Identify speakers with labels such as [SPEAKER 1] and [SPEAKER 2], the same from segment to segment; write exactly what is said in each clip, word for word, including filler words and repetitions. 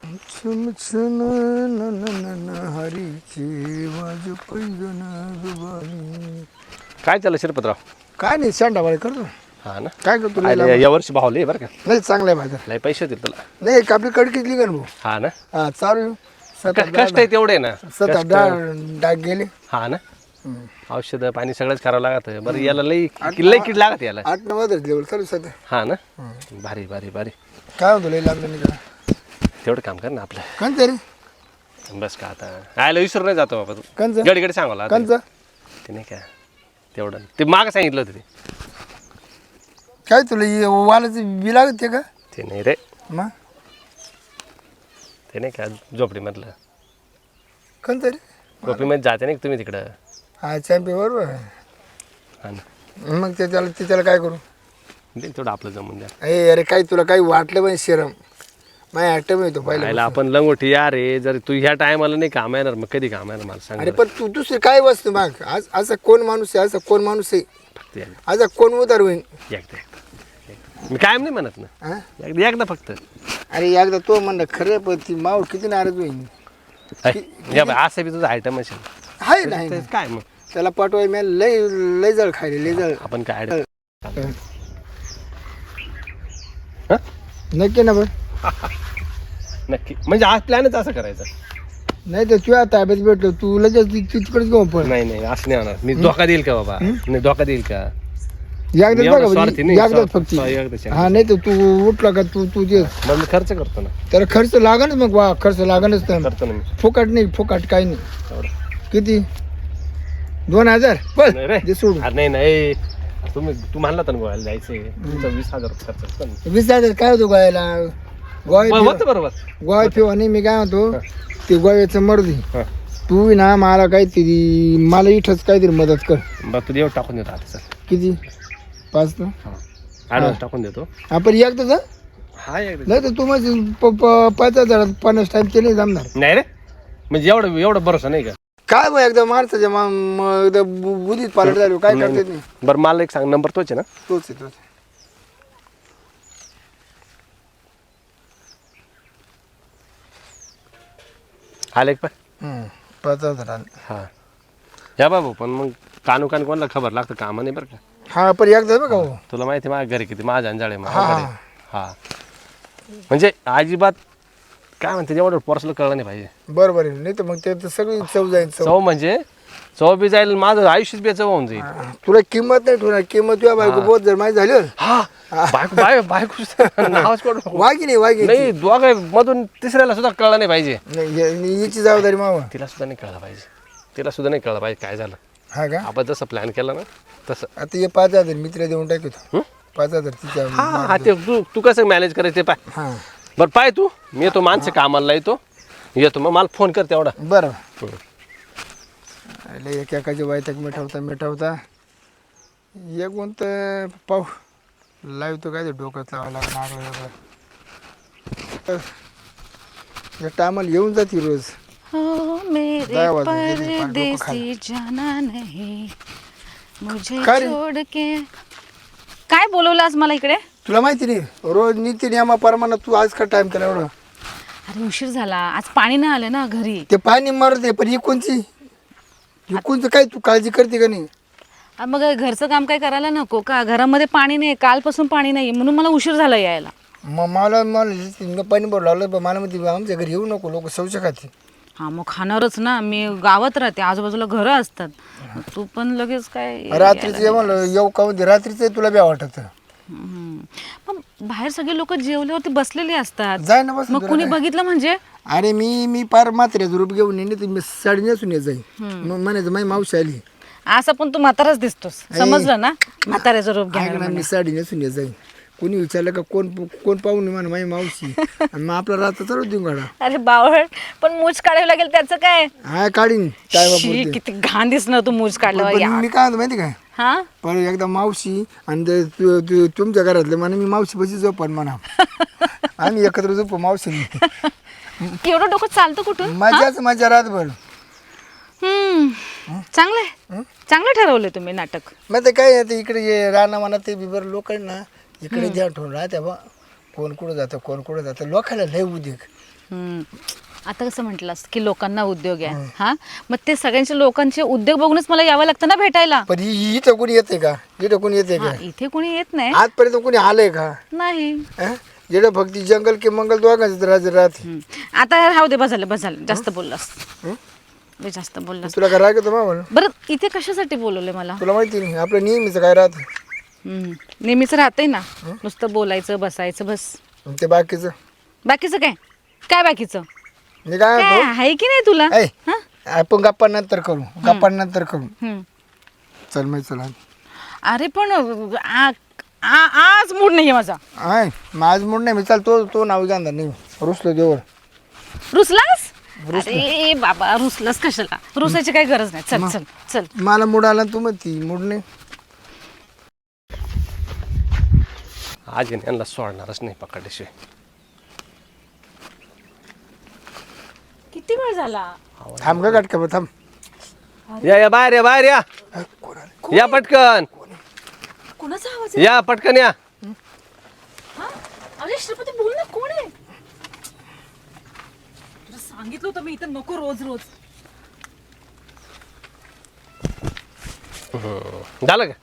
[SPEAKER 1] छम छम न न न न हरीचे वाज पैजण दुबारी.
[SPEAKER 2] काय चाललं शिरपतराव?
[SPEAKER 1] काय नाही सांडावाळे करतो.
[SPEAKER 2] हा ना.
[SPEAKER 1] काय करतो लय
[SPEAKER 2] अरे
[SPEAKER 1] लांब.
[SPEAKER 2] या वर्षी भावले बरं का,
[SPEAKER 1] नाही चांगला आहे माझा.
[SPEAKER 2] लय पैसे होतील तुला.
[SPEAKER 1] नाही आपली कडकीच लिगन भाऊ.
[SPEAKER 2] हा ना.
[SPEAKER 1] हा चालू सात
[SPEAKER 2] क- कष्ट आहे तेवढे ना.
[SPEAKER 1] सात
[SPEAKER 2] कष्ट.
[SPEAKER 1] डाग डाग गेले.
[SPEAKER 2] हा ना. औषध पाणी सगळंच करावं लागत. बरं याला लई लई किड लागत याला.
[SPEAKER 1] आठ नऊ वाजता लेवल चालू सध्या.
[SPEAKER 2] हा ना. भारी भारी भारी.
[SPEAKER 1] काय होतं लय लागलं नाही का
[SPEAKER 2] तेवढं काम कर ना आपलं.
[SPEAKER 1] कंच रे
[SPEAKER 2] बस का आता आयला विसरून नाही जातो बाबा तू.
[SPEAKER 1] कंच
[SPEAKER 2] गडी गडी सांगावला
[SPEAKER 1] कंच
[SPEAKER 2] ते नाही का तेवढं ते मागं सांगितलं होतं ते.
[SPEAKER 1] काय तुला हे वालाचं बी लागत ते का
[SPEAKER 2] ते नाही रे,
[SPEAKER 1] मग
[SPEAKER 2] ते नाही का झोपडीमधलं.
[SPEAKER 1] कंच रे
[SPEAKER 2] झोपडीमध्ये जाते नाही का तुम्ही तिकडं.
[SPEAKER 1] हा चॅम्पे बरोबर
[SPEAKER 2] हा ना.
[SPEAKER 1] मग ते त्याला ते त्याला काय करू.
[SPEAKER 2] दे तेवढं आपलं जमून द्या.
[SPEAKER 1] अरे अरे काही तुला काही वाटलं पण शरम माझ्या ॲक्टिव्ह येतो
[SPEAKER 2] पाहिला
[SPEAKER 1] पहिला.
[SPEAKER 2] आपण लंगोटी या रे, जर तू ह्या टायमाला नाही काम येणार मग कधी काम येणार मला सांग
[SPEAKER 1] अरे
[SPEAKER 2] बरं.
[SPEAKER 1] पण तू दुसरी काय वस्तू माग आज असा कोण माणूस आहे असा कोण माणूस आहे
[SPEAKER 2] फक्त एकदा
[SPEAKER 1] असा कोण उदार होईल.
[SPEAKER 2] एकदा एकदा. मी कायम नाही म्हणत ना,
[SPEAKER 1] हा
[SPEAKER 2] एकदा एकदा फक्त.
[SPEAKER 1] अरे एकदा तो म्हणलं खरं पण ती माव किती नाराज होईल.
[SPEAKER 2] ऐ, या बाई, असं बी तुझं आयटम असेल
[SPEAKER 1] आहे नाही
[SPEAKER 2] तर काय मग
[SPEAKER 1] त्याला पाठवाय मी लय लय जळ खायले लय जळ.
[SPEAKER 2] आपण काय आयटम
[SPEAKER 1] नक्की ना पण
[SPEAKER 2] नक्की म्हणजे आज प्लॅनच असं करायचं.
[SPEAKER 1] नाही तर तुझ्या ताब्यात भेटलो तू लगेच ती- ती तिकडेच घेऊन पड.
[SPEAKER 2] नाही नाही असं नाही होणार. मी धोका देईल का बाबा, नाही धोका देईल का. मी
[SPEAKER 1] एकदाच
[SPEAKER 2] एवढा
[SPEAKER 1] बघा
[SPEAKER 2] स्वार्थी नाही,
[SPEAKER 1] एकदाच
[SPEAKER 2] स्वार्थ-
[SPEAKER 1] फक्त
[SPEAKER 2] स्वार्थ- एकदाच आहे.
[SPEAKER 1] हा नाही तर तू उठला का तू तू दे
[SPEAKER 2] मग मी खर्च करतो ना,
[SPEAKER 1] त्याला खर्च लागणच मग वा खर्च लागणच तर
[SPEAKER 2] करतो ना मी
[SPEAKER 1] फुकट नाही फुकट काही नाही.
[SPEAKER 2] तेवढं.
[SPEAKER 1] किती दोन हजार
[SPEAKER 2] नाही रे.
[SPEAKER 1] बस दे सोडून.
[SPEAKER 2] अरे नाही नाही तुम्ही तू म्हणला तर गोव्याला जायचंय, तुमचा वीस हजार रुपये खर्च असतो ना.
[SPEAKER 1] वीस हजार काय होतो गोव्याला गोवा
[SPEAKER 2] बरं, होतं बरोबर.
[SPEAKER 1] गोवा फिवा नाही मी काय म्हणतो ते गोव्याचं मर्दी
[SPEAKER 2] हा.
[SPEAKER 1] तू ना मला काहीतरी मला इथंच काहीतरी मदत कर.
[SPEAKER 2] बरं तू देव टाकून देतो आता सर.
[SPEAKER 1] किती पाच ना
[SPEAKER 2] ॲडव्हान्स टाकून देतो.
[SPEAKER 1] आपण एकदाच हा?
[SPEAKER 2] हा एकदा.
[SPEAKER 1] नाही तर तू माझी प- प- पाच हजार पन्नास टाइम ते नाही जमणार.
[SPEAKER 2] नाही रे म्हणजे एवढं एवढं भरोसा नाही का.
[SPEAKER 1] काय मग एकदा माणसाच्या मा- म- एकदा बु- बुद्धीत पालट झालो काय करता येत नाही.
[SPEAKER 2] बरं मला एक सांग, नंबर तोच आहे ना.
[SPEAKER 1] तोच आहे तोच आहे.
[SPEAKER 2] आले का पाय.
[SPEAKER 1] हम्म, पाच हजार आले.
[SPEAKER 2] हा या बाबू, पण मग कानू कान कोणाला खबर लागतं कामा नाही बरं का.
[SPEAKER 1] हा पण एकदा बघा हो.
[SPEAKER 2] तुला माहिती आहे माझ्या घरी किती माझ्या अंजाळे
[SPEAKER 1] हा,
[SPEAKER 2] माझ्याकडे. हा म्हणजे अजिबात काय म्हणते एवढं पर्सनल कळलं नाही पाहिजे.
[SPEAKER 1] बरोबर आहे नाही तर मग ते तर सगळी चव जाईल चव.
[SPEAKER 2] चव म्हणजे चव बी जाईल, माझं आयुष्यच बी चव होऊन जाईल.
[SPEAKER 1] हा, तुला किंमत नाही ठेवणार किंमत तुझ्या बायको बहुत जर माहिती झाली हो.
[SPEAKER 2] हा बायको बाय बायको नावच पडू
[SPEAKER 1] वागी नाही वागी
[SPEAKER 2] नाही. दोघा मधून तिसऱ्याला सुद्धा कळलं नाही पाहिजे.
[SPEAKER 1] नाही या- याची जबाबदारी मावा.
[SPEAKER 2] तिला सुद्धा नाही कळलं पाहिजे. तिला सुद्धा नाही कळलं पाहिजे काय झालं.
[SPEAKER 1] हा का
[SPEAKER 2] आपण जसं प्लॅन केला ना तसं.
[SPEAKER 1] आता हे पाच हजार मी तिला देऊन टाकतो.
[SPEAKER 2] हं?
[SPEAKER 1] पाच हजार तिच्या
[SPEAKER 2] हा हा ते तू तू कसं मॅनेज करायचं ते पाय.
[SPEAKER 1] हा
[SPEAKER 2] बरं पाय तू, मी येतो माणसं कामाला येतो येतो मग मला फोन कर तेवढा.
[SPEAKER 1] बरं
[SPEAKER 2] हं.
[SPEAKER 1] अरे एक एकाची वायतक मिठवता मिठवता एक कोणतं पाहू लावतो काय ते डोकं लावावं लागणार. या टायमाला येऊन जाते रोज.
[SPEAKER 3] हो मेरे
[SPEAKER 1] दहा वाजून गेले, पार डोकं
[SPEAKER 3] परदेसी जाना नहीं मुझे
[SPEAKER 1] काय रे?
[SPEAKER 3] छोड़ के. काय बोलवलं आज मला इकडे?
[SPEAKER 1] तुला माहिती नाही रोज नीती नियमाप्रमाणे तू आज का टाइम केला एवढं.
[SPEAKER 3] अरे उशीर झाला, आज पाणी नाही आलं ना घरी.
[SPEAKER 1] ते पाणी मरते पण ही कोणची ही कोणचं काय तू काळजी करते का नाही.
[SPEAKER 3] आ, मग घरचं काम काय करायला नको का? घरामध्ये पाणी नाही, कालपासून पाणी नाही म्हणून मला उशीर झाला यायला.
[SPEAKER 1] मग मला मला पाणी भरू लागलं पण मला म्हणते आमच्या घरी येऊ नको लोक शौच खाते.
[SPEAKER 3] हा मग खाणारच ना, मी गावात राहते, आजूबाजूला घरं असतात. मग तू पण लगेच काय
[SPEAKER 1] रात्रीचं ये म्हणलं येऊ का म्हणते रात्रीचं तुला बी वाटत.
[SPEAKER 3] हम्म. पण बाहेर सगळे लोक जेवल्यावरती बसलेले असतात,
[SPEAKER 1] जाय ना बस.
[SPEAKER 3] मग कुणी बघितलं म्हणजे?
[SPEAKER 1] अरे मी मी पार म्हाताऱ्याचं रूप घेऊन येणे तर मी साडी नेसून येत जाईल. मग म्हणायचं माझी मावशी आली.
[SPEAKER 3] असं पण तू म्हाताराच दिसतोस, समजलं ना? म्हाताऱ्याचं रूप
[SPEAKER 1] ऐक
[SPEAKER 3] घ्या.
[SPEAKER 1] ना मी साडी नेसून येत जाईल. कोणी विचारलं का कोण कोण पाहून म्हणा माझी मावशी आणि मग आपला रात्र चालू देऊन गाडा.
[SPEAKER 3] अरे बावळ, पण मूछ काढावी लागेल त्याचं काय?
[SPEAKER 1] हा काढीन काय
[SPEAKER 3] शी, किती घाण दिसणार तू मूछ काढल्यावर.
[SPEAKER 1] पण
[SPEAKER 3] या.
[SPEAKER 1] मी काय म्हणतो माहिती काय
[SPEAKER 3] हा
[SPEAKER 1] पण एकदा मावशी आणि ते तु- तु- तुमच्या घरातले म्हणा मी मावशी बशी झोपण म्हणा आम्ही एकत्र झोपू मावशी
[SPEAKER 3] एवढं डोकं चालतं कुठून?
[SPEAKER 1] मजाच मजा रातभर.
[SPEAKER 3] हम्म चांगलंय, चांगलं ठरवलंय तुम्ही नाटक.
[SPEAKER 1] मग ते काय आता इकडे ये राणा म्हणा ते बिबर लोक ना इकडे द्या ठेवून राहत्या बा कोण कुठं जातं कोण कुठं जातं लोकांना लय उद्योग.
[SPEAKER 3] हम्म. आता कसं म्हटलंस की लोकांना उद्योग आहे हा मग ते सगळ्यांचे लोकांचे उद्योग बघूनच मला यावं लागतं ना भेटायला.
[SPEAKER 1] पण हि- इथं कोणी येते का इथं कोणी येते
[SPEAKER 3] हा,
[SPEAKER 1] का
[SPEAKER 3] इथे कोणी येत नाही
[SPEAKER 1] आजपर्यंत कोणी आलंय का
[SPEAKER 3] नाही.
[SPEAKER 1] हं? इकडं फक्त जंगल की मंगल दोघांचं राज राहते.
[SPEAKER 3] हम्म. आता राहू दे बसायला बसायला जास्त बोललास लय जास्त बोललास.
[SPEAKER 1] तुला काय राग येतो मा म्हणून
[SPEAKER 3] बरं इथे कशासाठी बोलवले मला?
[SPEAKER 1] तुला माहिती नाही आपलं नेहमीच काय राहत
[SPEAKER 3] हम्म. नेहमीच राहते ना नुसतं बोलायचं बसायचं बस.
[SPEAKER 1] ते बाकीचं
[SPEAKER 3] बाकीचं काय काय बाकीचं
[SPEAKER 1] मी काय
[SPEAKER 3] काय
[SPEAKER 1] म्हणतो
[SPEAKER 3] आहे की नाही तुला?
[SPEAKER 1] ऐ,
[SPEAKER 3] हा?
[SPEAKER 1] आपण गप्पा नंतर करू गप्पा नंतर करू
[SPEAKER 3] हम्म.
[SPEAKER 1] चल मग चला
[SPEAKER 3] अरे पण आ- आ- आज मूड नाहीये माझा.
[SPEAKER 1] आहे माझ मूड नाही मी चाल तो तो नाव घ्या नाही रुसलो देवर
[SPEAKER 3] रुसलास? अरे बाबा रुसलास कशाला? रुसायची काही गरज नाही. चल चल चल.
[SPEAKER 1] मला मूड आला तू मग ती मूड नाही
[SPEAKER 2] आज आहे ना, यांना सोडणारच नाही पकडल्याशिवाय.
[SPEAKER 3] किती वेळ झाला?
[SPEAKER 1] थांब का गाठ का थांब
[SPEAKER 2] या या बाहेर या बाहेर या
[SPEAKER 1] अ, कोण आलं?
[SPEAKER 2] या पटकन
[SPEAKER 3] कुणाचा आवाज
[SPEAKER 2] या पटकन या.
[SPEAKER 3] आहे? अरे श्रीपती बोल ना कोण आहे? तुला सांगितलं होतं मी इथं नको रोज रोज.
[SPEAKER 2] झालं का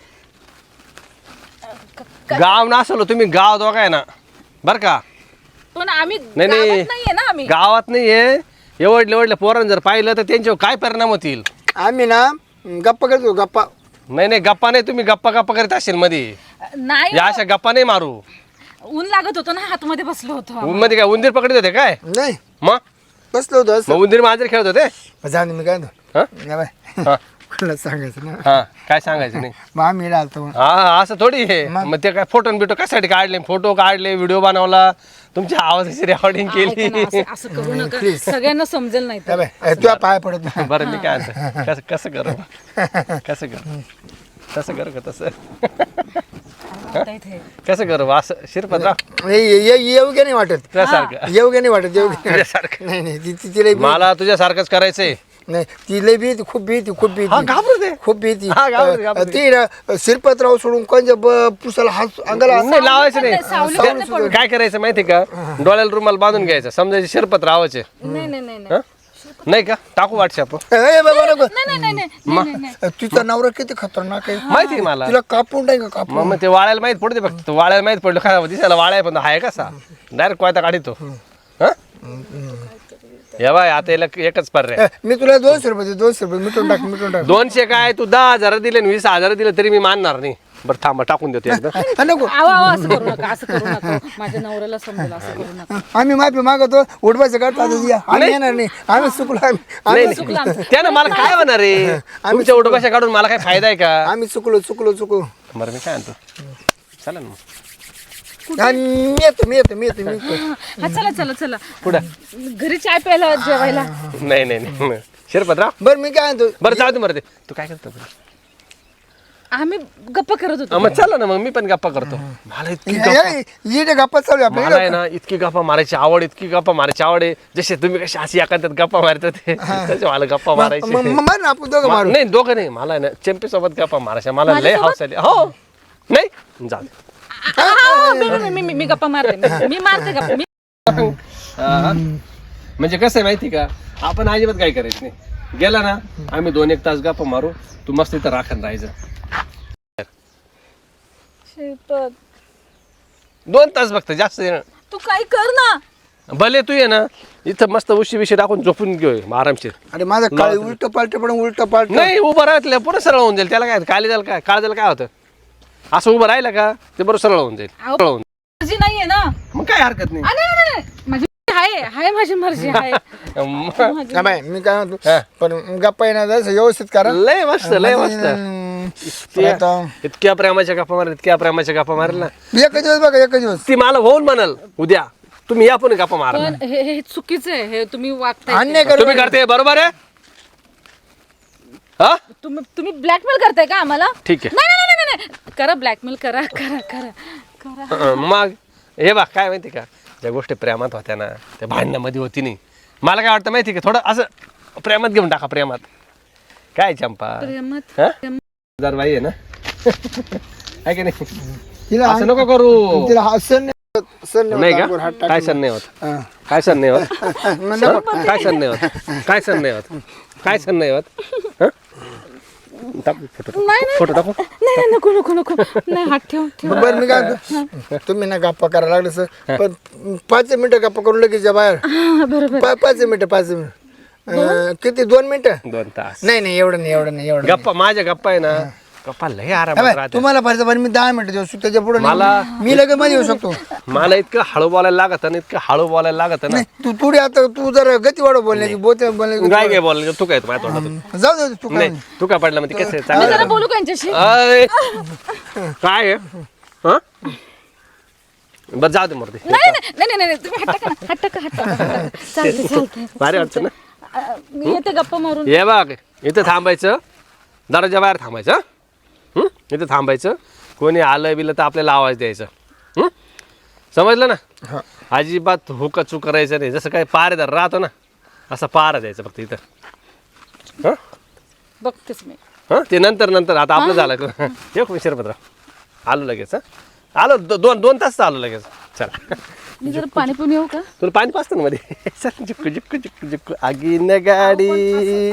[SPEAKER 2] गाव नसलो तुम्ही गाव दोघा आहे ना बर का.
[SPEAKER 3] पण आम्ही
[SPEAKER 2] नाही, नाही.
[SPEAKER 3] गावात नाहीये ना आम्ही.
[SPEAKER 2] गावात नाहीये एवढले एवढल्या पोरांनी जर पाहिलं तर त्यांच्यावर काय परिणाम होतील.
[SPEAKER 1] आम्ही ना गप्पा करतो गप्पा
[SPEAKER 2] नाही नाही गप्पा नाही तुम्ही गप्पा गप्पा करीत असेल मध्ये
[SPEAKER 3] नाही
[SPEAKER 2] या अशा गप्पा नाही मारू.
[SPEAKER 3] ऊन लागत होतं ना हातमध्ये बसलो होतो.
[SPEAKER 2] मध्ये काय उंदीर पकडत होते काय
[SPEAKER 1] नाही
[SPEAKER 2] मग
[SPEAKER 1] बसलो होतो असं
[SPEAKER 2] मग उंदीर मांजर खेळत होते.
[SPEAKER 1] जाऊन दे, मी काय म्हणतो
[SPEAKER 2] हा?
[SPEAKER 1] या बाय
[SPEAKER 2] हा
[SPEAKER 1] कोणाला सांगायचं ना
[SPEAKER 2] हा काय सांगायचं नाही.
[SPEAKER 1] मग आम्ही राहतो
[SPEAKER 2] हा असं थोडी आहे मग ते काय फोटो बिटो कशासाठी काढले फोटो काढले व्हिडिओ बनवला तुमच्या आवाजाची रेकॉर्डिंग
[SPEAKER 3] ऐका ना,
[SPEAKER 2] केली.
[SPEAKER 3] असं- असं करू नका सगळ्यांना समजेल नाही
[SPEAKER 1] या
[SPEAKER 3] तर.
[SPEAKER 1] बाय तुझ्या पाय पडत नाही.
[SPEAKER 2] बरं मी काय म्हणतो कसं कसं करू कसं करू तसं करू का तसं
[SPEAKER 3] आता इथे.
[SPEAKER 2] कसं करू असं शिरपतराव
[SPEAKER 1] हे- हे- हे- योग्य नाही वाटत
[SPEAKER 2] तुझ्यासारखं
[SPEAKER 1] योग्य नाही वाटत योग्य नाही.
[SPEAKER 2] तुझ्यासारखं
[SPEAKER 1] नाही नाही ती ती- तिला भी-
[SPEAKER 2] मला तुझ्यासारखंच करायचंय.
[SPEAKER 1] नाही ती लई भीती खूप भीती खूप
[SPEAKER 2] हा
[SPEAKER 1] भीती
[SPEAKER 2] घाबरू दे
[SPEAKER 1] खूप भीती
[SPEAKER 2] हा, घाबरते, घाबरते.
[SPEAKER 1] ती ना शिरपतराव सोडून कोणत्या ब- पुसाला हात अंगाला
[SPEAKER 2] नाही लावायचं
[SPEAKER 3] नाही, सावली पण नाही
[SPEAKER 2] नाही
[SPEAKER 3] पडू.
[SPEAKER 2] काय करायचं माहिती का डोळ्याला रुमाल बांधून घ्यायचं समजायचे शिरपत रावाचे
[SPEAKER 3] नाही नाही नाही नाही.
[SPEAKER 2] हं? नाही का टाकू व्हॉट्सअप
[SPEAKER 1] ए, बाबा नको.
[SPEAKER 3] नाही नाही नाही नाही नाही नाही.
[SPEAKER 1] तिचा नवरा किती खतरनाक आहे
[SPEAKER 2] माहिती आहे मला
[SPEAKER 1] तिला कापून नाही का कापून
[SPEAKER 2] मग मग ते वाळायला माहित पडते फक्त तो वाळायला माहित पडलं काय दिसायला वाळाय पण आहे कसा डायरेक्ट कोयता काढतो या बाय आता याला एकच पर्याय
[SPEAKER 1] ए, मी तुला दोनशे रुपये देतो, दोनशे रुपये मिटून टाक मिटून टाक
[SPEAKER 2] दोनशे काय तू दहा हजार दिले आणि वीस हजार दिले तरी मी मानणार नाही. बरं थांबा टाकून देतो एकदा
[SPEAKER 1] हा, नको
[SPEAKER 3] आवा आवा असं करू नका असं करू नका माझ्या नवऱ्याला समजेल असं करू नका.
[SPEAKER 1] आम्ही माफी मागतो उडवायचं काढतो आता या. आम्ही येणार नाही आम्ही चुकलो आम्ही
[SPEAKER 2] नाही
[SPEAKER 1] आम्ही
[SPEAKER 2] नाही त्यानं मला काय होणार आहे तुमच्या उठभाषा काढून मला काय फायदा आहे का.
[SPEAKER 1] आम्ही चुकलो चुकलो चुकलो
[SPEAKER 2] बरं मी काय म्हणतो चला ना मग
[SPEAKER 1] आणि मी येतो मी येतो मी येतो मी येतो
[SPEAKER 3] हा चला चला चला
[SPEAKER 2] पुढं
[SPEAKER 3] घरी चाय प्यायला जेवायला.
[SPEAKER 2] नाही नाही नाही शिरपतराव
[SPEAKER 1] बरं मी काय म्हणतो
[SPEAKER 2] बरं जाऊ दे बरं ते तू काय करतो बरं?
[SPEAKER 3] आम्ही गप्पा करत
[SPEAKER 2] हा,
[SPEAKER 3] होतो.
[SPEAKER 2] मग चला ना मग मी पण गप्पा करतो. मला इतकी गप्पा
[SPEAKER 1] ये- ये गप्पा चालू आहे
[SPEAKER 2] मला आहे
[SPEAKER 1] आपल्या
[SPEAKER 2] ना इतकी गप्पा मारायची आवड इतकी गप्पा मारायची आवड आहे जसे तुम्ही कशी अशी एखाद्यात गप्पा मारतात ते तसे मला गप्पा मारायची
[SPEAKER 1] मार ना आपण दोघं
[SPEAKER 2] मा-
[SPEAKER 1] मारू
[SPEAKER 2] नाही दोघं नाही मला आहे ना चेम्पी सोबत गप्पा मारायच्या मला लय हाऊस आली हो नाही जाऊ दे.
[SPEAKER 3] हा, हा, मी- मी- मी- मी- मी गप्पा मारते मी- मी मारते गप्पा मी.
[SPEAKER 2] हा. म्हणजे कसं आहे माहिती का आपण अजिबात काय करायचं नाही गेला ना आम्ही दोन एक तास गप्पा मारू तू मस्त इथं राखण राहायचं
[SPEAKER 3] श्रीपत,
[SPEAKER 2] दोन तास बघत जास्त नाही.
[SPEAKER 3] तू काय कर ना.
[SPEAKER 2] भले तू ये ना इथं मस्त उशी बिशी टाकून झोपून घेऊ आरामशीर.
[SPEAKER 1] अरे माझं काळी उलट पालट पण उलट पालट
[SPEAKER 2] नाही उभं राहतलं पुढे सरळ होऊन जाईल त्याला काय काळी जायला काय काळ जायला काय होतं असं उभं राहिलं का ते बरोबर सरळ होऊन जाईल
[SPEAKER 3] अहो,
[SPEAKER 2] सरळ होऊन
[SPEAKER 3] मर्जी नाहीये ना.
[SPEAKER 2] मग काय हरकत नाही
[SPEAKER 3] आ, नाही नाही, नाही. माझी आहे आहे माझी मर्जी आहे.
[SPEAKER 2] मग
[SPEAKER 3] माझी-
[SPEAKER 1] हा बाई मी काय म्हणतो
[SPEAKER 2] हा.
[SPEAKER 1] पण गप्पा येणार जसं व्यवस्थित करा
[SPEAKER 2] लय मस्त लय मस्त
[SPEAKER 1] हम्म,
[SPEAKER 2] इतक्या-
[SPEAKER 1] आता
[SPEAKER 2] इतक्या प्रेमाच्या गप्पा मारल इतक्या प्रेमाच्या गप्पा मारल ना
[SPEAKER 1] एक दिवस बघा एक दिवस
[SPEAKER 2] ती मला होऊन म्हणाल उद्या तुम्ही या पण गप्पा मारा
[SPEAKER 3] पण हे हे चुकीचं आहे हे तुम्ही वागताय ते.
[SPEAKER 1] अन्याय करू
[SPEAKER 2] तुम्ही करते बरोबर आहे हा
[SPEAKER 3] तुम्ही तुम्ही ब्लॅकमेल करताय का आम्हाला?
[SPEAKER 2] ठीक आहे
[SPEAKER 3] नाही नाही नाही नाही, नाही करा ब्लॅकमेल करा करा करा करा.
[SPEAKER 2] अं, मग हे बा काय माहिती का ज्या गोष्टी प्रेमात होत्या ना त्या भांडणामध्ये होती नाही मला काय वाटतं माहिती का थोडं असं प्रेमात घेऊन टाका प्रेमात काय चंपा
[SPEAKER 3] प्रेमात
[SPEAKER 2] हा?
[SPEAKER 3] प्रेमात.
[SPEAKER 2] हजार बाई आहे ना आहे की नाही
[SPEAKER 1] तिला
[SPEAKER 2] असं नको करू
[SPEAKER 1] तिला हा सण नाही होत, सण
[SPEAKER 2] नाही
[SPEAKER 1] होत,
[SPEAKER 2] का
[SPEAKER 1] हात टाकून.
[SPEAKER 2] काय सण नाही होत
[SPEAKER 1] हा.
[SPEAKER 2] काय सण नाही होत हं? काय सण नाही होत काय सण नाही होत काय सण नाही होत हं? टाकू फोटो टाकू.
[SPEAKER 3] नाही नाही
[SPEAKER 2] फोटो टाकू
[SPEAKER 3] नाही नाही, नको नको नको नाही हात ठेव ठेव
[SPEAKER 1] बरं मी काय म्हणतो, तुम्ही ना गप्पा करायला लागले सर पण पाच मिनिटं गप्पा करून लगेच जा बाहेर.
[SPEAKER 3] हा, बरोबर
[SPEAKER 1] पा- पाच मिनिटं पाच मिनिटं अं, किती दोन मिनिटं?
[SPEAKER 2] दोन तास
[SPEAKER 1] नाही नाही एवढं नाही एवढं नाही एवढं नाही.
[SPEAKER 2] गप्पा माझ्या गप्पा आहे ना गप्पा लय आरामात
[SPEAKER 1] अबे,
[SPEAKER 2] राहते
[SPEAKER 1] तुम्हाला पाहिजे पण मी दहा मिनिटं देऊ शकतो त्याच्या पुढे
[SPEAKER 2] मला-
[SPEAKER 1] मी लगेच मध्ये येऊ शकतो.
[SPEAKER 2] मला इतकं हळू बोलायला लागत ना इतकं हळू बोलायला लागत ना
[SPEAKER 1] नाही तू थोडी आता तू जर गती वाढव बोलण्याची बोलते बोलण्याची
[SPEAKER 2] काय काय बोलायला तू काय माझ्या तोंडात
[SPEAKER 1] जाऊ दे तू काय
[SPEAKER 2] नाही तू काय पडला म्हणजे कसं आहे?
[SPEAKER 3] मी
[SPEAKER 2] चांगलं
[SPEAKER 3] जरा बोलू का यांच्याशी
[SPEAKER 2] अय, काय आहे हं? बरं जाऊ दे मूर्ती
[SPEAKER 3] नाही नाही नाही नाही नाही, तुम्ही हात टाका ना, हात टाका हात टाका, हात टाका. चालतंय चालतंय
[SPEAKER 2] भारी वाटतं ना
[SPEAKER 3] अ, मी येते गप्पा मारून
[SPEAKER 2] ये बघ इथं थांबायचं दरवाजा बाहेर थांबायचं हं? हं? इथं थांबायचं कोणी आलं बिलं तर आपल्याला आवाज द्यायचा हं? समजलं ना अजिबात हुका चूक करायचं नाही जसं काय पारेदार राहतो ना असं पारा द्यायचं फक्त इथं हं
[SPEAKER 3] बघतेच मी
[SPEAKER 2] हं ते नंतर नंतर आता आपलं झालं एक शिरपतराव आलो लगेच हं आलो दो- दोन दोन तास आलो लगेच चला
[SPEAKER 3] मी जरा पाणी पिऊन येऊ का
[SPEAKER 2] तुला पाणी पाचतं ना मध्ये चल जिक्कू जिक्कू जिक्कू जिक्कू आगीन गाडी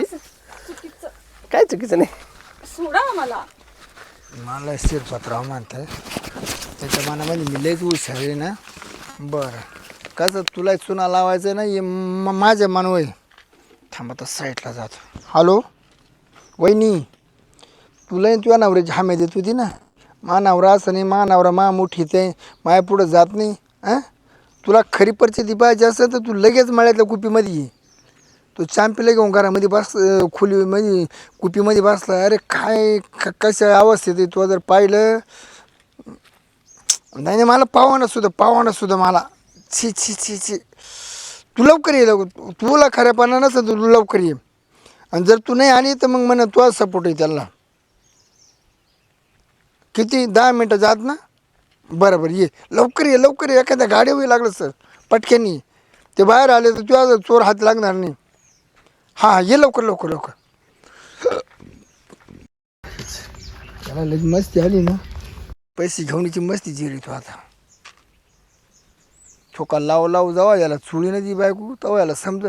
[SPEAKER 2] काय चुकीचं नाही
[SPEAKER 3] सोडा मला
[SPEAKER 1] मला शिरपतराव म्हणताय त्याच्या मनामध्ये मी लयच हुशार आहे ना. बरं कसं तुला चुना लावायचं ना हे म- माझ्या मनवय थांबा तर साईडला जातो. हॅलो वहिनी तुला तुझ्या नवऱ्याची हमी देत होती ना मा नवरा असं नाही मा नवरा मा मोठीच आहे माया पुढं जात नाही हां तुला खरी परिस्थिती पाहिजे असेल तर तू लगेच मळ्यातल्या कुपीमध्ये ये. तो चांपीला घेऊन घरामध्ये बस खोलीमध्ये कुपीमध्ये बसला अरे काय क- कशा अवस्थेत आहे तू जर पाहिलं नाही नाही मला पावाना सुद्धा पावाना सुद्धा मला छी छी छी छी तू लवकर ये लवकर तुला खऱ्यापणा नसेल तर तू लवकर ये आणि जर तू नाही आली तर मग म्हणा तुझा सपोर्ट आहे त्याला. किती दहा मिनटं जात ना बरं बरं ये लवकर ये लवकर ये एखाद्या गाडीवर लागलं सर पटक्यानी ते बाहेर आले तर तुझ्या चोर हात लागणार नाही. हां हां ये लवकर लवकर लवकर त्याला लई मस्ती आली ना पैसे घेऊनची मस्ती जिरी तो आता ठोका लाव लाव जावा याला चुळी नाही ती बायको तवा याला समज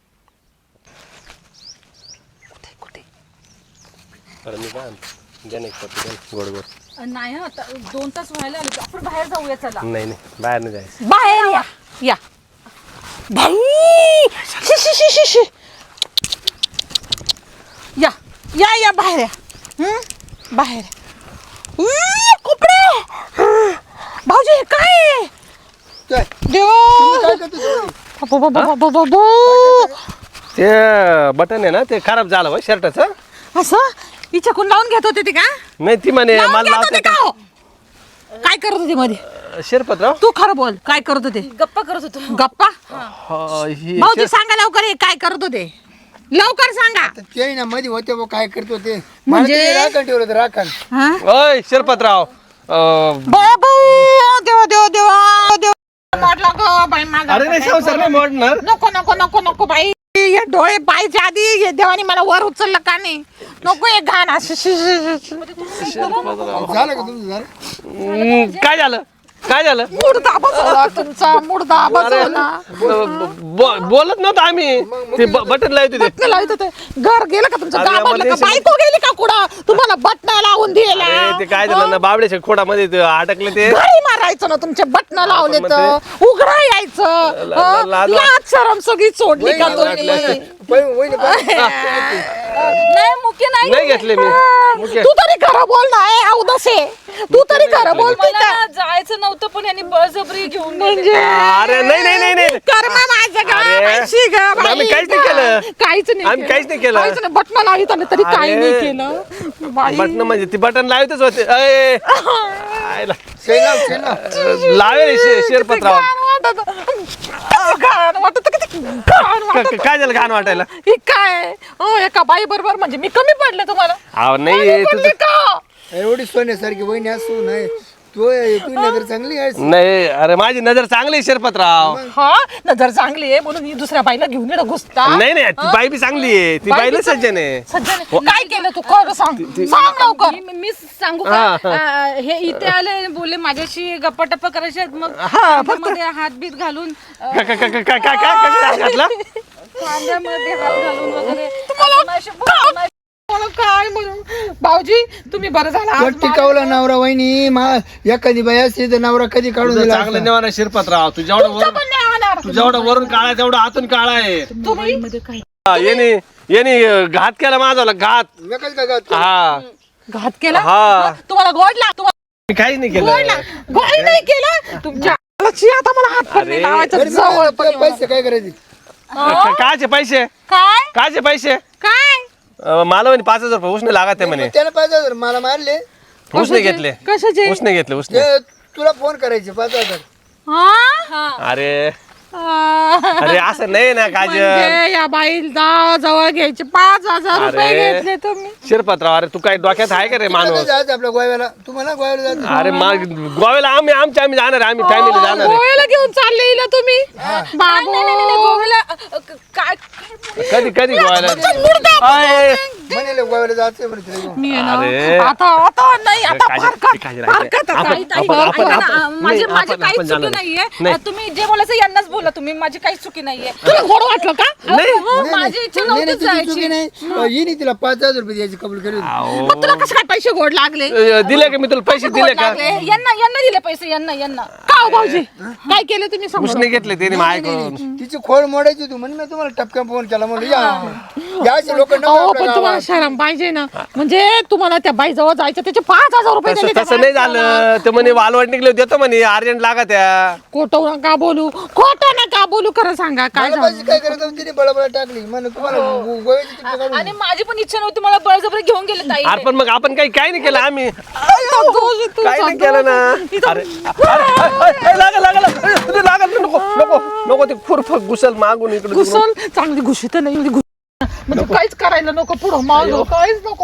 [SPEAKER 2] बरं मी काय द्या नाही गोड गोड
[SPEAKER 3] नाही आता दोन तास व्हायला आले आपण बाहेर जाऊया चला
[SPEAKER 2] नाही नाही बाहेर नाही जायचं
[SPEAKER 3] बाहेर या या बाई शी शी शी शी शी या या या बाहेर या हं? बाहेर उई, कपडे भाऊजी हे काय आहे? देवा बाबा, बाबा, बाबा, बाबा.
[SPEAKER 2] ते बटन आहे ना ते खराब झालं हो शर्टाचं
[SPEAKER 3] असं हिच्याकून लावून घेत होते ते का
[SPEAKER 2] नाही ती म्हणे
[SPEAKER 3] लावून
[SPEAKER 2] मला
[SPEAKER 3] घेत होते का
[SPEAKER 2] लावते
[SPEAKER 3] हो? काय करत होते मध्ये
[SPEAKER 2] शिरपतराव
[SPEAKER 3] तू खरं बोल काय करत होते गप्पा करत होतो गप्पा
[SPEAKER 2] हा, ही
[SPEAKER 3] भाऊजी
[SPEAKER 2] शिर-
[SPEAKER 3] सांगा लवकर हे काय करत होते लवकर सांगा
[SPEAKER 1] ते ना मध्ये होते बुवा, काय करतो ते
[SPEAKER 3] म्हणजे?
[SPEAKER 1] मला ते राखण ठेवलं होतं राखण
[SPEAKER 3] हा
[SPEAKER 2] ओय शिरपतराव अं,
[SPEAKER 3] बाबू देवा देवा देवा देवा मोडला गं बाई माझा
[SPEAKER 2] अरे नाही संसार नाही मोडणार
[SPEAKER 3] नको नको नको नको बाई हे डोळे पाहायच्या आधी हे देवाने मला वर उचललं का नाही नको हे घाण असं शी- शी- शी- शी.
[SPEAKER 1] झालं का तुमचं झालं
[SPEAKER 2] हम्म, काय झालं काय झालं
[SPEAKER 3] मुर्दा बसवला तुमचा मुर्दा बसवला
[SPEAKER 2] ब- ब- बोलत नव्हतं आम्ही ते ब- बटन लावत होते
[SPEAKER 3] बटन लावत होते घर गेलं का तुमचं
[SPEAKER 2] अरे
[SPEAKER 3] गावाला का
[SPEAKER 2] आम्हाला
[SPEAKER 3] बायको गेली का कुठं तुम्हाला बटन लावून दिला
[SPEAKER 2] अरे, ते काय झालं ना बाबड्याच्या खोडामध्ये ते अटकले ते
[SPEAKER 3] घरी मारायचं ना तुमचे बटन लावले तर उघडा यायचं
[SPEAKER 2] ला- ला-
[SPEAKER 3] हं?
[SPEAKER 2] ला-
[SPEAKER 3] लाज शरम सगळी सोडली का तुम्ही
[SPEAKER 1] वहिनी- वहिनी पाहिजे.
[SPEAKER 3] नाही मुख्य
[SPEAKER 2] नाही घेतले मी मुख्य
[SPEAKER 3] तू तरी खरं बोल ना ए औदसे तू तरी खरं बोलते का
[SPEAKER 4] जायचं नव्हतं पण यांनी बळजबरी घेऊन
[SPEAKER 3] म्हणजे
[SPEAKER 2] अरे नाही नाही नाही नाही
[SPEAKER 3] कर्म माझं गा,
[SPEAKER 2] अरे,
[SPEAKER 3] माहिती गा, बाई
[SPEAKER 2] आम्ही काहीच नाही
[SPEAKER 3] गा.
[SPEAKER 2] केलं.
[SPEAKER 3] काहीच नाही
[SPEAKER 2] आम्ही काहीच नाही केलं.
[SPEAKER 3] काहीच नाही बटन लावित आले तरी काही नाही
[SPEAKER 2] अरे.
[SPEAKER 3] केलं बाई.
[SPEAKER 2] बटन म्हणजे ती बटन लावतच होते अय, आयला.
[SPEAKER 1] शेणाव, शेणाव.
[SPEAKER 2] लावेल शे- शिरपतराव
[SPEAKER 3] घाण वाटत घाण वाटत किती घाण
[SPEAKER 2] क-
[SPEAKER 3] वाटत
[SPEAKER 2] क- काय झालं घाण वाटायला
[SPEAKER 3] हे काय हो एका बाई बरोबर म्हणजे मी कमी पडले तुम्हाला
[SPEAKER 2] अहो
[SPEAKER 3] कमी
[SPEAKER 2] नाही
[SPEAKER 3] पडले
[SPEAKER 2] तुझं
[SPEAKER 3] का
[SPEAKER 1] एवढी सोन्यासारखी वहिनी असू नाही तो तू नजर चांगली आहे.
[SPEAKER 2] नाही अरे माझी नजर चांगली आहे शिरपतराव.
[SPEAKER 3] हा नजर चांगली आहे म्हणून ही दुसऱ्या बाईला घेऊन येणं घुसता.
[SPEAKER 2] नाही नाही ती बाई बी चांगली आहे. ती
[SPEAKER 3] बाई
[SPEAKER 2] बाईला
[SPEAKER 3] बी
[SPEAKER 2] सज्जन आहे.
[SPEAKER 3] सज्जन काय केलं तू कर सांग सांग लवकर.
[SPEAKER 4] मी- मी सांगू का आ, हे इथे आले बोलले माझ्याशी गप्पा टप्पा करायचे आहेत, मग खांद्यामध्ये हात बीत घालून अ,
[SPEAKER 2] का- का- का- का- काय काय काय काय घातला?
[SPEAKER 4] खांद्यामध्ये हात घालून वगैरे
[SPEAKER 3] तुम्हाला
[SPEAKER 4] अशी बोल-
[SPEAKER 3] काय- मला काय म्हणू भाऊजी तुम्ही बरं झालं आज
[SPEAKER 1] तो टिकावला नवरा वहिनी मा एखादी बाई असते तर नवरा कधी काढून
[SPEAKER 2] तुझं
[SPEAKER 1] दिला
[SPEAKER 2] चांगलं
[SPEAKER 1] असता.
[SPEAKER 2] नेवाना शिरपतराव. तू जेवढं
[SPEAKER 3] तुमचं
[SPEAKER 2] वरून
[SPEAKER 3] पण नाही होणार.
[SPEAKER 2] तू जेवढं वरून काळा आहे तेवढं आतून काळा आहे.
[SPEAKER 3] तुम्ही
[SPEAKER 2] हा, येणे येणे घात केला माझा घात.
[SPEAKER 1] मी कसं काय करतो?
[SPEAKER 2] हा
[SPEAKER 3] घात केला
[SPEAKER 2] हा.
[SPEAKER 3] तुम्हाला गोड लाग तुम्हाला
[SPEAKER 2] मी काही नाही
[SPEAKER 3] गोड
[SPEAKER 2] केलं.
[SPEAKER 3] लाग गोड नाही केलं तुमच्या हाताची आता मला हात पण नाही
[SPEAKER 2] अरे.
[SPEAKER 3] लावायचा
[SPEAKER 1] बरं, मी
[SPEAKER 3] जवळ
[SPEAKER 1] तुला पैसे काय करायचे?
[SPEAKER 2] का- कायचे पैसे
[SPEAKER 3] काय
[SPEAKER 2] कायचे पैसे
[SPEAKER 3] काय
[SPEAKER 2] अं, मला म्हणे पाच हजार रुपये उसने लागत आहे म्हणे.
[SPEAKER 1] त्याला पाच हजार मला मारले
[SPEAKER 2] उसने घेतले
[SPEAKER 3] कशाचे
[SPEAKER 2] उसने घेतले उसने.
[SPEAKER 1] ते तुला फोन करायचे पाच हजार.
[SPEAKER 3] हा
[SPEAKER 2] अरे
[SPEAKER 3] आ,
[SPEAKER 2] अरे असं नाही ना काजल.
[SPEAKER 3] म्हणजे या बाईला जवळ घ्यायचे पाच हजार रुपये
[SPEAKER 2] अरे.
[SPEAKER 3] घेतले तुम्ही
[SPEAKER 2] शिरपतराव अरे तू काय डोक्यात आहे का रे
[SPEAKER 1] तिकडे
[SPEAKER 2] माणूस?
[SPEAKER 1] जायचं आपल्या गोव्याला. तुम्हाला गोव्याला जायचं.
[SPEAKER 2] अरे मग गोव्याला आम्ही आमच्या आम्ही जाणार आहे. आम्ही फॅमिली जाणार आहे.
[SPEAKER 3] गोव्याला घेऊन चालले हिला तुम्ही
[SPEAKER 4] नाही
[SPEAKER 3] बाबू
[SPEAKER 4] नाही नाही नाही, गोव्याला अ, अ, क- काय
[SPEAKER 2] कधी कधी गोव्याला
[SPEAKER 3] मुर्दा
[SPEAKER 2] अय,
[SPEAKER 1] म्हणे गोव्याला जायचं म्हणे तिला घेऊन.
[SPEAKER 3] मी आहे
[SPEAKER 2] अरे.
[SPEAKER 3] ना आता आता नाही आता
[SPEAKER 2] काजल,
[SPEAKER 3] फारकत
[SPEAKER 2] काजल, राहायचं.
[SPEAKER 3] फारकत
[SPEAKER 2] आपण-
[SPEAKER 3] आता.
[SPEAKER 4] ताई, ताई,
[SPEAKER 2] आपण- आपण-
[SPEAKER 4] ऐका ना,
[SPEAKER 2] आपण-
[SPEAKER 4] माझी
[SPEAKER 2] नाही,
[SPEAKER 4] माझी
[SPEAKER 2] आपण-
[SPEAKER 4] काहीच
[SPEAKER 2] आपण
[SPEAKER 4] चुकी
[SPEAKER 2] जाणार.
[SPEAKER 4] नाहीये.
[SPEAKER 2] नाही.
[SPEAKER 4] अ, तुम्ही जे बोलायचं यांनाच बोला तुम्ही, माझी काहीच चुकी नाहीये.
[SPEAKER 3] तुला गोड वाटलं का
[SPEAKER 2] नाही.
[SPEAKER 4] हो,
[SPEAKER 1] नाही,
[SPEAKER 4] माझी इच्छा
[SPEAKER 1] नाही, नाही,
[SPEAKER 4] नव्हती
[SPEAKER 1] तुझी चुकी
[SPEAKER 4] जायची.
[SPEAKER 1] नाही. हिने तिला पाच हजार रुपये द्यायची कबूल केली होती.
[SPEAKER 2] अहो.
[SPEAKER 3] मग तुला कसं काय पैसे गोड लागले
[SPEAKER 2] अ, दिले का मी तुला पैसे
[SPEAKER 4] गोड
[SPEAKER 2] दिले का?
[SPEAKER 4] लागले. यांना यांना दिले पैसे यांना यांना
[SPEAKER 3] का हो भाऊजी काय केलं तुम्ही समोर
[SPEAKER 2] उसने घेतले त्याने माझ्याकडून.
[SPEAKER 1] तिची खोड मोडायची तू म्हणून मी तुम्हाला टपक्यात फोन केला म्हणलं या या अशी लोक
[SPEAKER 3] अहो पण तुम्हाला शरम पाहिजे ना म्हणजे तुम्हाला त्या बाई जवळ जायचं त्याचे पाच हजार रुपये
[SPEAKER 2] तसं
[SPEAKER 3] दिले त्या
[SPEAKER 2] तसं नाही झालं. ते म्हणे वालवाड निघले देतो म्हणे अर्जंट लागा त्या.
[SPEAKER 3] खोटं नका बोलू खोटं नका बोलू खरं सांगा काय झालं
[SPEAKER 1] पैसे काय करत होती तिने बळबळ टाकली म्हणून तुम्हाला गो- गोव्याची तिकीट काढून
[SPEAKER 4] आणि माझी पण इच्छा नव्हती, मला बळजबरी घेऊन गेले ताई.
[SPEAKER 2] अरे पण मग आपण काही काही नाही केलं आम्ही
[SPEAKER 3] दोषी तुझा,
[SPEAKER 2] काही नाही केलं ना.
[SPEAKER 3] इथं-
[SPEAKER 2] अरे अरे, अरे, लागल लागल लागल लागल नको नको नको ते खुरफक घुसल मागून इकडे तिकडून.
[SPEAKER 3] घुसल चांगली घुशीत नाही एवढी घुस म्हणजे काहीच करायला नको पुढं मागं काहीच नको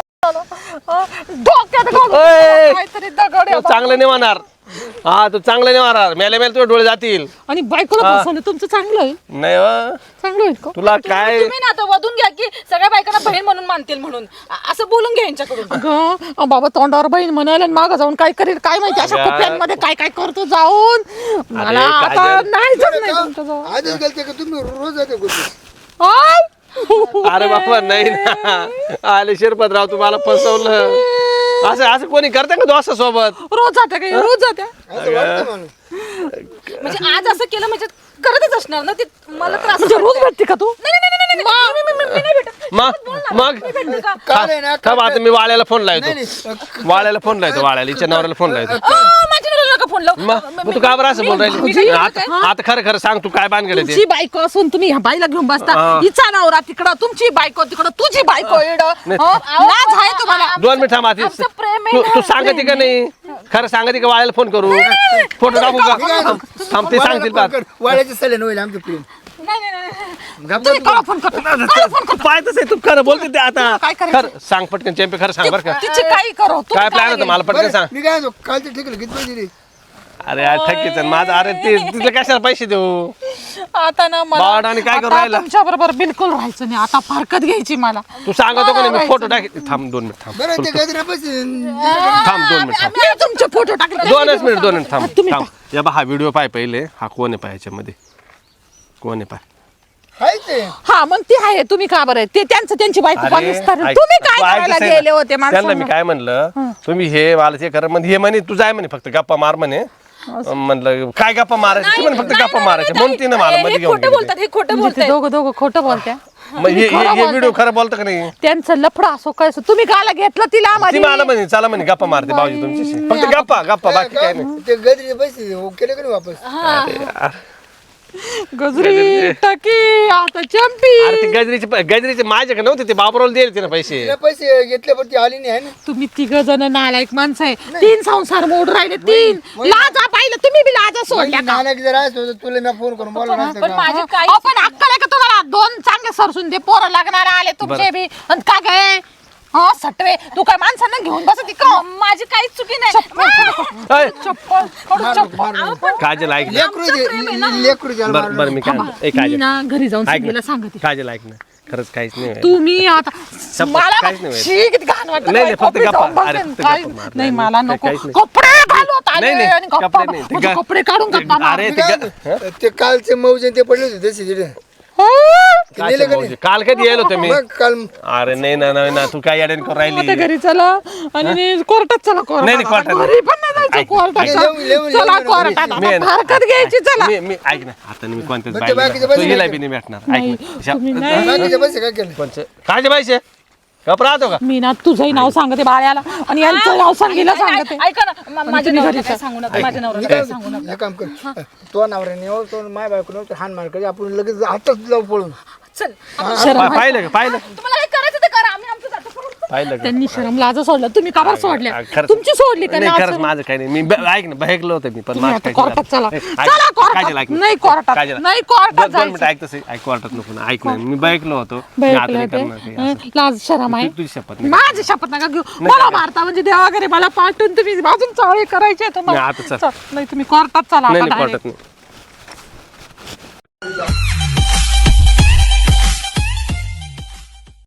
[SPEAKER 3] अं, डोक्यात घालून
[SPEAKER 2] ओय.
[SPEAKER 3] काहीतरी दगड आहे
[SPEAKER 2] तो चांगलं नाही होणार. हा तू चांगलं नाही होणार. मेले मेले तुझे डोळे जातील.
[SPEAKER 3] आणि बायकोला फसवलं तुमचं चांगलं आहे
[SPEAKER 2] नाही हो.
[SPEAKER 3] चांगलं आहे का
[SPEAKER 2] तुला काय
[SPEAKER 4] तुम्ही ना आता वधून घ्या की सगळ्या बायकांना बहीण म्हणून मानतील म्हणून अ- असं बोलून घ्या यांच्याकडून.
[SPEAKER 3] अगं, अं, बाबा तोंडावर बहीण म्हणाल आणि मागं जाऊन काय करेल काय माहिती अशा
[SPEAKER 2] अगं.
[SPEAKER 3] कुप्यांमध्ये काय काय करतो जाऊन मला आता
[SPEAKER 2] काजल.
[SPEAKER 3] नाही जात नाही तुमच्याजवळ
[SPEAKER 1] आजच गेलते का तुम्ही रोज जाते गोष्टी
[SPEAKER 3] आय.
[SPEAKER 2] अरे बाबा नाही ना आले शिरपतराव तुम्हाला फसवलं. असं असं कोणी करतं का दोस्ता सोबत?
[SPEAKER 3] रोज जाते काय रोज जाते
[SPEAKER 1] असं वाटतं माणूस.
[SPEAKER 4] म्हणजे आज असं केलं म्हणजे करतच असणार ना ते, मला त्रास
[SPEAKER 3] म्हणजे रोज भेटते का तू
[SPEAKER 4] नाही नाही नाही, नाही नाही, मी- मी- मी- मी नाही भेटत.
[SPEAKER 2] मग मग
[SPEAKER 4] भेटते का?
[SPEAKER 1] काल आहे ना
[SPEAKER 2] थांब आता मी वाळ्याला फोन
[SPEAKER 1] नाही
[SPEAKER 2] लावतो.
[SPEAKER 1] नाही
[SPEAKER 2] वाळ्याला फोन लावतो वाळ्याला हिच्या नवऱ्याला फोन लावतो.
[SPEAKER 4] अ, माझ्या नवऱ्याला नका फोन लावू.
[SPEAKER 2] मग मग तू का बरं असं बोल राहिली? आता आता खरं खरं सांग तू काय बांधकडे ते
[SPEAKER 3] तुमची बायको असून तुम्ही ह्या बाईला घेऊन बसता
[SPEAKER 2] हा.
[SPEAKER 3] हिचा नवरा तिकडं तुमची बायको तिकडं तुझी बायको इकडं हो? लाज आहे तुम्हाला
[SPEAKER 2] दोन मिनिट थांब आधी.
[SPEAKER 4] आमचं प्रेम आहे
[SPEAKER 2] तू
[SPEAKER 4] ना.
[SPEAKER 2] तू सांगते का नाही खरं सांगते का वाळ्याला फोन करू फोटो टाकू का थांब, थांब ते सांगतील पाहत.
[SPEAKER 1] वाड्याचे सलन होईल आमचं प्रेम.
[SPEAKER 4] नाही नाही नाही
[SPEAKER 1] गप्प
[SPEAKER 3] तुम्ही काळा फोन करता
[SPEAKER 2] पाहतच आहे तू खरं बोलते ते आता
[SPEAKER 3] काय करायचं?
[SPEAKER 2] खरं सांग पटकन चॅम्पे खरं सांग बरं का
[SPEAKER 3] तिची काही करो तुम्ही
[SPEAKER 2] काय प्लॅन होतं मला पटकन सांग.
[SPEAKER 1] मी काय म्हणतो, कालचे ठिकलं किती पैसे रे?
[SPEAKER 2] अरे यार ठकीच आहे माझं. अरे ते तिला कशाला पैसे देऊ?
[SPEAKER 3] आता ना
[SPEAKER 2] बावड आणि काय करू राहिला?
[SPEAKER 3] तुमच्या बरोबर बिलकुल राहायचं नाही आता फारकत घ्यायची मला
[SPEAKER 2] तू सांगतो का नाही मी फोटो टाक. थांब दोन मिनिट थांब
[SPEAKER 1] बरं ते गजरा पैसे
[SPEAKER 2] थांब दोन मिनिट थांब
[SPEAKER 3] मी तुमचे फोटो टाकले
[SPEAKER 2] दोनच मिनिट दोन मिनिट थांब
[SPEAKER 3] तुम्ही
[SPEAKER 2] थांब या बा हा व्हिडिओ पाय पहिले. हा कोण आहे पाय याच्यामध्ये कोण आहे पाय?
[SPEAKER 1] हाय ते
[SPEAKER 3] हा मग ती आहे तुम्ही का बरं ते त्यांचं त्यांची बायको
[SPEAKER 2] अरे,
[SPEAKER 3] पाकिस्तान
[SPEAKER 2] ऐक,
[SPEAKER 3] तुम्ही
[SPEAKER 2] तू
[SPEAKER 3] काय करायला
[SPEAKER 2] ऐकतच आहे
[SPEAKER 3] गेले
[SPEAKER 2] ना.
[SPEAKER 3] होते
[SPEAKER 2] त्यांना मी
[SPEAKER 3] माणसांना
[SPEAKER 2] काय म्हणलं तुम्ही हे मला ते करा म्हणजे हे म्हणे तू जाय म्हणे फक्त गप्पा मार म्हणे. म्हणलं काय गप्पा मारायचं ती म्हणे फक्त गप्पा मारायचे म्हणून तिने मला मध्ये
[SPEAKER 4] हे
[SPEAKER 2] घेऊन
[SPEAKER 4] खोटं
[SPEAKER 2] गेली.
[SPEAKER 4] बोलतात हे खोटं
[SPEAKER 3] म्हणजे ते
[SPEAKER 4] बोलतात.
[SPEAKER 3] दोघं दोघं खोटं बोलत्या
[SPEAKER 2] मग हे हे व्हिडिओ खरं बोलतं का नाही?
[SPEAKER 3] त्यांचं लफडा असो काय असो तुम्ही काला घेतलं तिला
[SPEAKER 2] ती
[SPEAKER 3] मध्ये
[SPEAKER 2] मला म्हणे चला म्हणे गप्पा मारते भाऊजी तुमच्याशी फक्त गप्पा गप्पा बाकी काय नाही.
[SPEAKER 1] ते गजरीचे पैसे हो, केले का नाही वापस?
[SPEAKER 2] अरे यार.
[SPEAKER 3] गजरी टाकी आता चंपी
[SPEAKER 2] अरे ते गजरीचे प- गजरीचे माझ्याकडे नव्हते ते बाबरोल दिले तिने पैसे.
[SPEAKER 1] तिला पैसे घेतले पण ती आली नाही आहे ना.
[SPEAKER 3] तुम्ही तिघ जण नालायक माणसं आहे तीन संसार मोड राहिले तीन लाजा पाहिलं तुम्ही बी लाजा सोडल्या का
[SPEAKER 1] नानक जर असतो तर तुला मी फोन करून बोलला नसतं
[SPEAKER 4] पण
[SPEAKER 1] का?
[SPEAKER 4] माझी काय
[SPEAKER 3] अहो, पण अक्कल आहे का तुम्हाला दोन चांगले सरसून दे पोरं लागणार आले तुमचे बी आणि का गे हा सटवे तू काय माणसांना घेऊन बसती का?
[SPEAKER 4] माझी काहीच चुकी नाही.
[SPEAKER 2] ऐ,
[SPEAKER 3] चप्पल काढून चप्पल.
[SPEAKER 2] काजल ऐक ना.
[SPEAKER 1] लेकरू दे- लेकरू द्यायला
[SPEAKER 2] बरं बरं मी काय म्हणतो. ए,
[SPEAKER 3] मी
[SPEAKER 2] काजल
[SPEAKER 3] ना घरी जाऊन
[SPEAKER 2] ऐक
[SPEAKER 3] संगीला
[SPEAKER 2] ना.
[SPEAKER 3] सांगते.
[SPEAKER 2] काजल ऐक ना खरंच काहीच नाही व्हायचं.
[SPEAKER 3] तुम्ही आता
[SPEAKER 2] शपथ,
[SPEAKER 3] मला
[SPEAKER 2] काहीच नाही व्हायचं.
[SPEAKER 3] शी, किती घाण वाटतं.
[SPEAKER 2] नाही, नाही, फक्त
[SPEAKER 3] कपडे
[SPEAKER 2] गप्पा.
[SPEAKER 3] जाऊन बसते.
[SPEAKER 2] अरे, फक्त
[SPEAKER 3] काही-
[SPEAKER 2] गप्पा मारल्या.
[SPEAKER 3] नाही मला
[SPEAKER 2] नाही,
[SPEAKER 3] नको
[SPEAKER 2] काहीच नाही.
[SPEAKER 3] कपडे घालवत आले
[SPEAKER 2] नाही, नाही,
[SPEAKER 3] आणि गप्पा
[SPEAKER 2] कपडे नाही. ते
[SPEAKER 3] म्हणजे
[SPEAKER 2] गा-
[SPEAKER 3] कपडे काढून गप्पा मार.
[SPEAKER 2] अरे
[SPEAKER 1] मी
[SPEAKER 2] ते
[SPEAKER 1] काय
[SPEAKER 2] गा-
[SPEAKER 1] म्हणतो, ते कालचे मौजे ते पडले होते तसे तिथे
[SPEAKER 3] हो.
[SPEAKER 1] ते नेले
[SPEAKER 2] कायचे
[SPEAKER 1] का
[SPEAKER 2] भाऊजी?
[SPEAKER 1] नाही?
[SPEAKER 2] काल कधी यायला होतं मी
[SPEAKER 1] मग काल
[SPEAKER 2] अरे नाही ना नाही ना तू काय याड्याने करून
[SPEAKER 3] आता
[SPEAKER 2] राहिली
[SPEAKER 3] घरी चला आणि कोर्टात चला
[SPEAKER 2] नाही, नाही,
[SPEAKER 3] कोर्टात
[SPEAKER 2] कोर्टात
[SPEAKER 3] घरी पण नाही जायचं
[SPEAKER 2] ऐक,
[SPEAKER 3] कोर्टात
[SPEAKER 2] ऐक.
[SPEAKER 3] चला.
[SPEAKER 1] लेऊन- लेऊन-
[SPEAKER 3] चला
[SPEAKER 1] लेऊन-
[SPEAKER 3] कोर्टात
[SPEAKER 2] मी आहे
[SPEAKER 3] आता
[SPEAKER 2] ना.
[SPEAKER 3] हरकत घ्यायची चला.
[SPEAKER 2] मी मी ऐक ना आता मी कोणत्याच
[SPEAKER 1] मग ते बाकीचे
[SPEAKER 2] बाईला
[SPEAKER 1] पैसे
[SPEAKER 2] हिला
[SPEAKER 1] नाही
[SPEAKER 2] बी नाही भेटणार ऐक
[SPEAKER 3] नाही,
[SPEAKER 2] ना
[SPEAKER 3] तुम्ही
[SPEAKER 2] शा-
[SPEAKER 3] नाही.
[SPEAKER 1] बाकीचे पैसे काय केले
[SPEAKER 2] कोणचे कायचे पैसे गप राहतो का
[SPEAKER 3] मी ना तुझंही नाव सांगते बाळ्याला आणि यांचं नाव संगीला सांगते.
[SPEAKER 4] ऐका ना मा- माझ्या
[SPEAKER 3] तुम्ही
[SPEAKER 4] नवऱ्याला
[SPEAKER 3] घरी
[SPEAKER 4] काय सांगू नका माझ्या नवऱ्याला
[SPEAKER 1] काय
[SPEAKER 4] काय सांगू नका.
[SPEAKER 1] हे काम कर तो नवऱ्याने येऊ तो माय बायको नव्हतं हान मार करी आपण लगेच हातच जाऊ पळून
[SPEAKER 4] चल
[SPEAKER 3] शरम
[SPEAKER 2] पा- पाहिलं का पाहिलं
[SPEAKER 4] तुम्हाला काय करायचं ते करा आम्ही आमचं जातो करू.
[SPEAKER 2] पाहिलं का
[SPEAKER 3] त्यांनी शरम लाज सोडलं तुम्ही का बरं सोडल्या
[SPEAKER 2] खरंच-
[SPEAKER 3] तुमची सोडली का
[SPEAKER 2] नाही
[SPEAKER 3] लाज?
[SPEAKER 2] खरंच माझं काही नाही मी ब- ऐक ना बहेकलो होतं मी पण
[SPEAKER 3] तुम्ही
[SPEAKER 2] माझं
[SPEAKER 3] आता
[SPEAKER 2] काही
[SPEAKER 3] कोर्टात चला.
[SPEAKER 2] नाही. ऐक,
[SPEAKER 3] चला कोर्टात.
[SPEAKER 2] काजल, ऐक ना.
[SPEAKER 3] नाही कोर्टात.
[SPEAKER 2] काजल,
[SPEAKER 3] नाही कोर्टात
[SPEAKER 2] दोन- दोन
[SPEAKER 3] जायचं.
[SPEAKER 2] मिनिटं ऐक तसं ऐक कोर्टात नको ना ऐक ना मी बहेकलो होतो मी
[SPEAKER 3] बाई
[SPEAKER 2] आता
[SPEAKER 3] ऐकलं
[SPEAKER 2] नाही
[SPEAKER 3] ते.
[SPEAKER 2] करणार काही असं.
[SPEAKER 3] हं, लाज शरम आहे
[SPEAKER 2] तू- तुझी शपथ नाही.
[SPEAKER 3] माझी शपथ नका घेऊ मला मारता म्हणजे देवा वगैरे मला पाठवून तुम्ही अजून चाळे करायचे तुम्हाला
[SPEAKER 2] नाही, आता चल.
[SPEAKER 3] चल, नाही तुम्ही कोर्टात चला
[SPEAKER 2] नाही
[SPEAKER 3] आता
[SPEAKER 2] नाही
[SPEAKER 3] direct.
[SPEAKER 2] कोर्टात नाही